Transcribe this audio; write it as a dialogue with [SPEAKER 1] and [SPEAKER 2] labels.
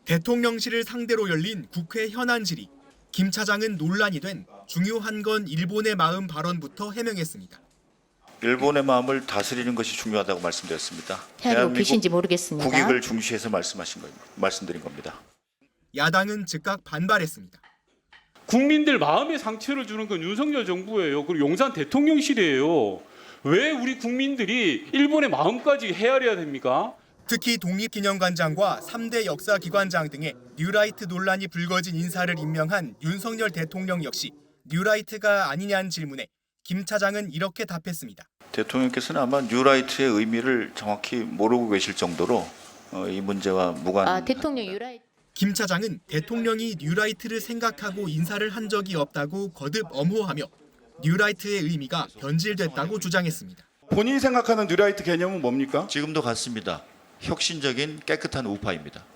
[SPEAKER 1] 대통령실을 상대로 열린 국회 현안 질의. 김 차장은 논란이 된 중요한 건 일본의 마음 발언부터 해명했습니다.
[SPEAKER 2] 일본의 마음을 다스리는 것이 중요하다고 말씀드렸습니다.
[SPEAKER 3] 헤아리고 계신지 모르겠습니다.
[SPEAKER 2] 국익을 중시해서 말씀드린 겁니다.
[SPEAKER 1] 야당은 즉각 반발했습니다.
[SPEAKER 4] 국민들 마음에 상처를 주는 건 윤석열 정부예요. 그리고 용산 대통령실이에요. 왜 우리 국민들이 일본의 마음까지 헤아려야 됩니까?
[SPEAKER 1] 특히 독립기념관장과 3대 역사기관장 등의 뉴라이트 논란이 불거진 인사를 임명한 윤석열 대통령 역시 뉴라이트가 아니냐는 질문에 김 차장은 이렇게 답했습니다.
[SPEAKER 2] 대통령께서는 아마 뉴라이트의 의미를 정확히 모르고 계실 정도로 이 문제와 무관.
[SPEAKER 3] 대통령 유라이트.
[SPEAKER 1] 김 차장은 대통령이 뉴라이트를 생각하고 인사를 한 적이 없다고 거듭 엄호하며 뉴라이트의 의미가 변질됐다고 주장했습니다.
[SPEAKER 5] 본인이 생각하는 뉴라이트 개념은 뭡니까?
[SPEAKER 2] 지금도 같습니다. 혁신적인 깨끗한 우파입니다.